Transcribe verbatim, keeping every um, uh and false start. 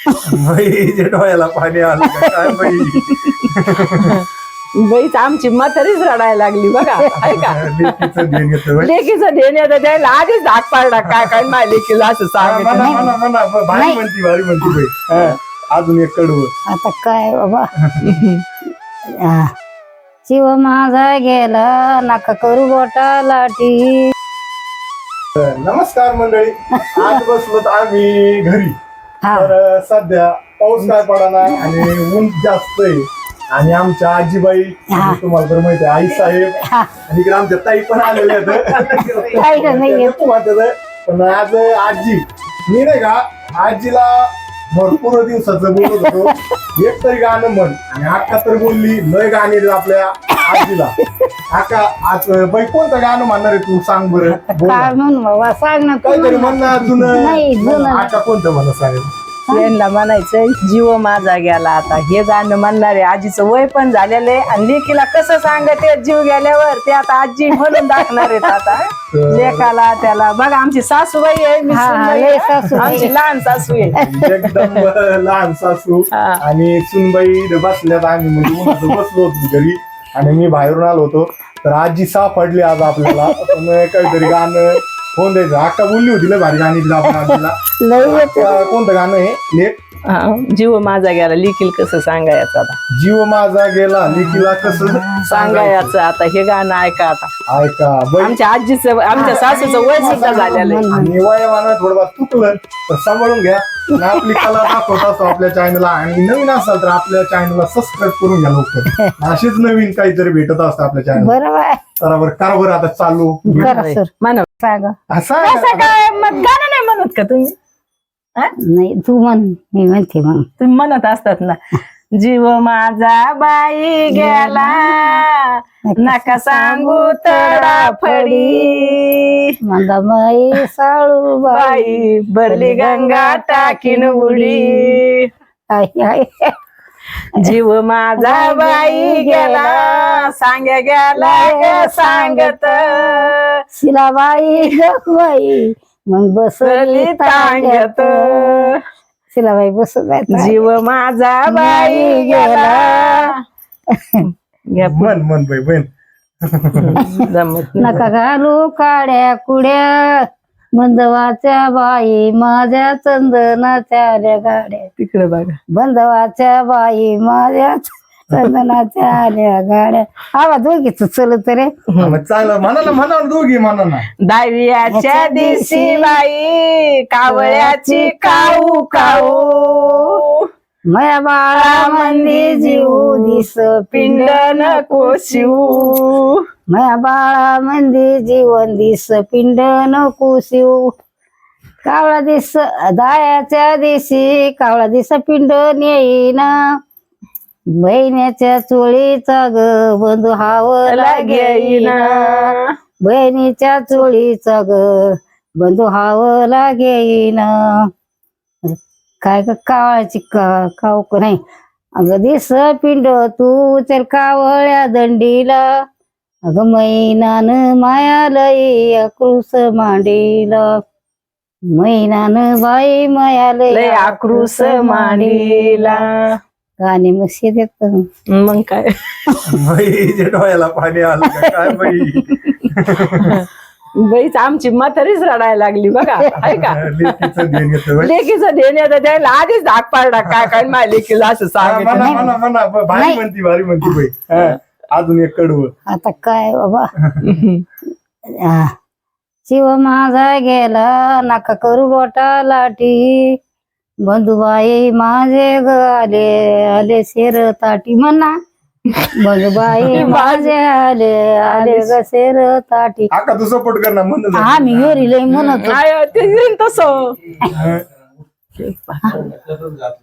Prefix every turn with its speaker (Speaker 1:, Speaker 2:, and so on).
Speaker 1: बाई डोळ्याला पाणी आलं का काय बाई.
Speaker 2: बाईच आमची म्हातारीच रडायला लागली बघा. ऐका
Speaker 1: लेकीचं ध्यान येतं बाई.
Speaker 2: लेकीचं ध्येय येतं त्याला आधीच धाक पाडला काय काय माझ्या लेकीला असं
Speaker 1: म्हणा
Speaker 2: सांगितलं.
Speaker 1: म्हणा म्हणा भारी
Speaker 3: नाही.
Speaker 1: म्हणती भारी म्हणती बाई. हा, अजून एक कडवं.
Speaker 3: आता काय बाबा आ, शिव माझा गेला नका करू गोटा लाटी.
Speaker 1: नमस्कार मंडळी, आज बसलोत आम्ही घरी.
Speaker 3: हा
Speaker 1: तर सध्या पाऊस काय पडा नाही आणि ऊन जास्त आहे. आणि आमच्या आजीबाई म्हणजे तुम्हाला तर माहिती आहे आई साहेब
Speaker 3: हा.
Speaker 1: आणि इकडे आमच्या ताई पण आलेल्या आहेत.
Speaker 3: काही नाहीये.
Speaker 1: पण आज आजी मी नाही का आजीला भरपूर दिवसाचं बोलत होतो एक तरी गाणं म्हण, आणि अक्का तर बोलली लय गाणी आहेत आपल्या आजीला. अक्का आज बाई कोणतं गाणं म्हणणार आहे तू सांग बरं. बोल
Speaker 3: काय
Speaker 1: ना.
Speaker 3: म्हणून बाबा सांग ना तू
Speaker 1: काहीतरी
Speaker 3: म्हण.
Speaker 1: म्हण ना जुनं.
Speaker 3: नाही, जुनं.
Speaker 1: अक्का कोणतं म्हणा सांगेल.
Speaker 2: यांना म्हणायचं जीव माझा गेला. आता हे गाणं म्हणणारे आजीचं वय पण झालेलं आहे आणि लेकीला कसं सांगते जीव गेल्यावर ते आता आजी म्हणून दाखणार आहेत आता लेकाला त्याला. बघा आमची सासूबाई आहे, मी
Speaker 3: हा,
Speaker 2: सूनबाई
Speaker 3: लय
Speaker 2: आहे.
Speaker 3: सासूबाई.
Speaker 2: आमची लहान सासू आहे.
Speaker 1: एकदम लहान सासू
Speaker 2: हा.
Speaker 1: आणि सुनबाई बसल्यात. आम्ही म्हणजे उन्हाचं बसलो होतो घरी आणि मी बाहेरून आलो होतो. तर आजी सापडली आज आपल्याला. पण काहीतरी गाणं फोन द्यायचं. अक्का बोलली होती लय भारी गाणी दिली आपण आजीला.
Speaker 3: लय येते.
Speaker 1: अक्का, कोणतं गाणं आहे लेख.
Speaker 2: हा, जीव माझा गेला लेकील कसं सांगायचं आता
Speaker 1: जीव माझा गेला लेकीला कसं सांगायचं.
Speaker 2: सांगायचं आता हे गाणं ऐका आता.
Speaker 1: ऐका बाई.
Speaker 2: आमच्या आजीचं आमच्या सासूचं वय सुद्धा झालेलं आहे.
Speaker 1: आणि वयामानात थोडं चुकलं तर सांभाळून घ्या. आणि आपली कला दाखवत असतो आपल्या चॅनलला. आणि नवीन असाल तर आपल्या चॅनलला सबस्क्राईब करून घ्या लवकर. अशीच नवीन काहीतरी भेटत असतं आपल्या चॅनल.
Speaker 3: बरोबर आहे.
Speaker 1: बरोबर कारभार आता चालू.
Speaker 3: करा सर
Speaker 2: म्हणा
Speaker 3: सांग.
Speaker 1: असा
Speaker 2: कसं काय मग गाणं नाही म्हणत का तुम्ही? हा?
Speaker 3: नाही तू म्हण मी म्हणते मग.
Speaker 2: तुम्ही म्हणत असतात ना जीव माझा बाई गेला नका सांगू तडाफडी
Speaker 3: माझा बाई साळू बाई
Speaker 2: बाई भरली गंगा टाकीन उडी.
Speaker 3: आई, आई.
Speaker 2: जीव माझा बाई गेला सांग्या गेला ग सांगत
Speaker 3: शिलाबाई बाई मग बसली
Speaker 2: तांगत.
Speaker 3: शिलाबाई बसत आहेत.
Speaker 2: जीव माझा बाई गेला. घ्या
Speaker 1: मन मन बाई बहीण.
Speaker 2: जमत
Speaker 3: नका घालू काड्या कुड्या बंधवाच्या बाई माझ्या चंदनाच्या आल्या गाड्या.
Speaker 2: तिकडे बघा
Speaker 3: बंधवाच्या बाई माझ्या चंदनाच्या आल्या गाड्या. आवाज दोघीच चलत रे.
Speaker 1: मग चांगलं म्हणा ना म्हणा ना दोघी म्हणा ना.
Speaker 2: दहाव्याच्या दिवशी बाई कावळ्याची काऊ काऊ
Speaker 3: मया बाळा मंदी जीव दिस
Speaker 2: पिंड नको शिवू.
Speaker 3: मया बाळा मंदी जीवन दिस पिंड नको शिव. कावळा दिस दायाच्या दिवशी कावळा दिस पिंड नेईना. बहिणीच्या चोळीचा ग बंधू हावला घेईना. बहिणीच्या चोळीचा ग बंधू हावला घेईना. काय ग कावळ्याची का काव नाही अगं दिस पिंड तू चल कावळ्या दंडीला. अगं मैनान मायालई अक्रूस मांडीला. मैनान बाई मायालई
Speaker 2: लय आक्रोश मांडीला.
Speaker 3: गाणे मस्त देत.
Speaker 2: मग काय
Speaker 1: बाई डोळ्याला पाणी आलं का काय बाई.
Speaker 2: बाईच आमची म्हातारीच रडायला लागली बघा. ऐका
Speaker 1: लेकीचं ध्यान येतं बाई.
Speaker 2: लेकीचं ध्येय येतं त्याला आधीच धाक पाडला काय काय माझ्या लेकीला असं
Speaker 1: हा, म्हणा
Speaker 2: सांगितलं.
Speaker 1: म्हणा म्हणा भारी
Speaker 3: नाही.
Speaker 1: म्हणती भारी म्हणती बाई. हा, अजून एक कडवं.
Speaker 3: आता काय बाबा आ, शिव माझा गेला नका करू गोटा लाटी. बंधुबाई माझे ग आले आले शेर ताटी म्हणा. बंधुबाई माझे आले आले ग शेर ताटी.
Speaker 1: आका तू सपोर्ट कर ना म्हणून.
Speaker 3: आम्ही योरी लय म्हणत
Speaker 2: काय ते तसं
Speaker 1: हा.